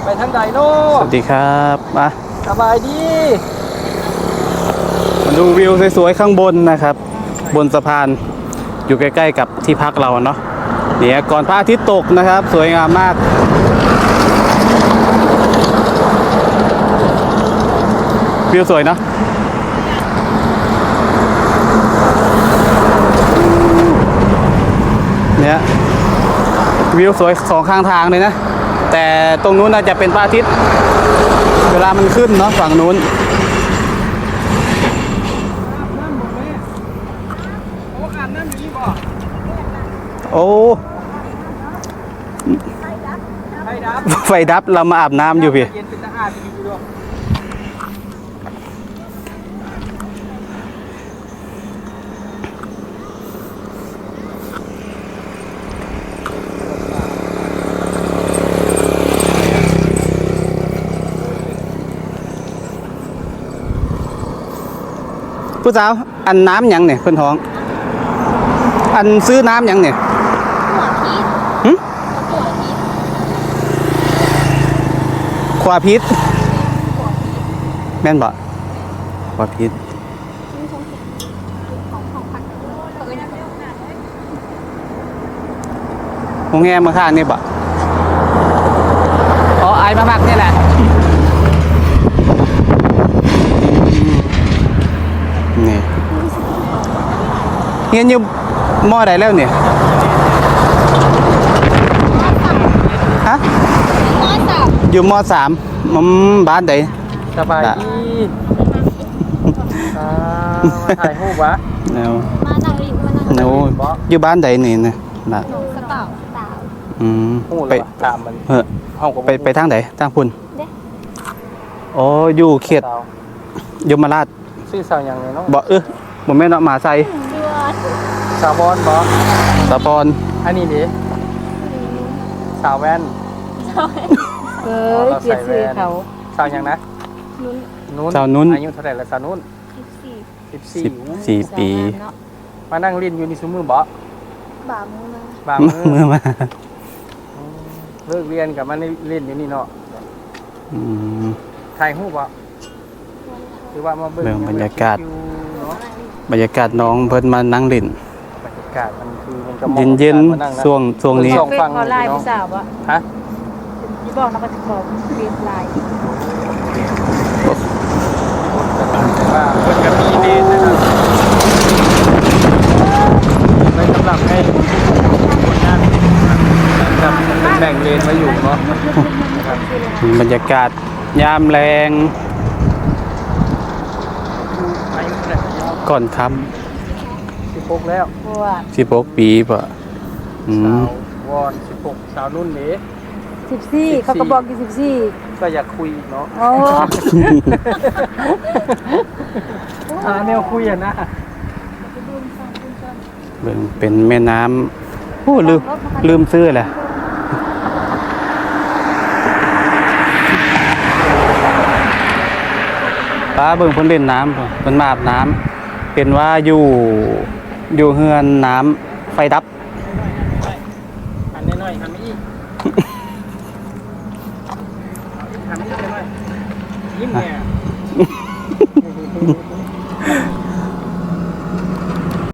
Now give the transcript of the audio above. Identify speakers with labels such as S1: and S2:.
S1: ไปทางใดโน่
S2: สวัสดีครับมา
S1: สบายดี
S2: มาดูวิวสวยๆข้างบนนะครับ บนสะพานอยู่ใกล้ๆกับที่พักเราเนาะเนี่ยก่อนพระอาทิตย์ตกนะครับสวยงามมากวิวสวยเนาะเนี่ยวิวสวยสองข้างทางเลยนะแต่ตรงนู้นน่าจะเป็นพระอาทิตย์เวลามันขึ้นเนาะฝั่งนู้นโอ้ไฟดับเรามาอาบน้ำอยู่พี่ผู้สาวอันน้ำยังเนี่ยคนท้องอันซื้อน้ำยังเนี่ยขวาพิษแม่นบ่ขวาพิษโรงแรมมาข้างนี่บ่อ๋อไอมาพักนี่แหละนี่เงี้ยอยู่มอไหนแล้วเนี่ยฮะอยู่ม.3บ้านไหน
S1: สบายดีถ่ายรูปวะ
S2: มานั่งริมอยู่บ้านไหนนี่นะน่ะไป
S1: ตามมัน
S2: ไปทางไหนทางพุ่นอ๋ออยู่เขตยมราช
S1: ชื่อสาวยังไงเนาะ
S2: บ่บ่แม่นเนาะมาใส่
S1: สาวบอลบ่
S2: สาวบอล
S1: อันนี้ดิสาวแว่น
S3: เปลี่ยนชื่อเขา
S1: สาวยังนะ
S2: นุ่นสาวนุ่น
S1: อายุเท่าไหร่ละสาวนุ่น
S2: 14 ปี
S1: มานั่งเล่นอยู่ในซุ้มมือบ่บ่ามือมาเลิกเรียนกับมาเล่นอยู่นี่เนาะถ่ายรูปบ่หรือว่ามาเบิ่ง
S2: บรรยากาศน้องเพิ่นมานั่งเล่น
S1: บรรยากาศมันคือมันก็
S2: เย็นๆช่วงนี้
S3: ฟังไลน์พี่สาวบ่
S1: ฮะ
S3: ที่บอกเราก็จะบอกเรียนไลน์
S1: ว่าเพิ่นก็มีเลนนะครับไว้สำหรับให้คนนั่งแบบแบ่งเลนไว้อยู่เนาะ
S2: บรรยากาศยามแรงก่อนค่
S1: ำ16แล้ว
S2: 16 ปีป่ะ
S1: สาววอน16สาวนุ่นนี่
S3: 14เขาก็บอกอยู่14
S1: ก็อยากคุยเนาะ
S3: โอ้
S1: แนวคุยอ่ะนะ
S2: เป็นแม่น้ำโอ้ลืมซื้อแหละป้าเบิ่งเพิ่นเล่นน้ำเพิ่นมาอาบน้ำเป็นว่าอยู่เฮือนน้ำไฟดับ
S1: อันน้อยๆทำอีกทำอีกหน่อยยิ้มเนี่ย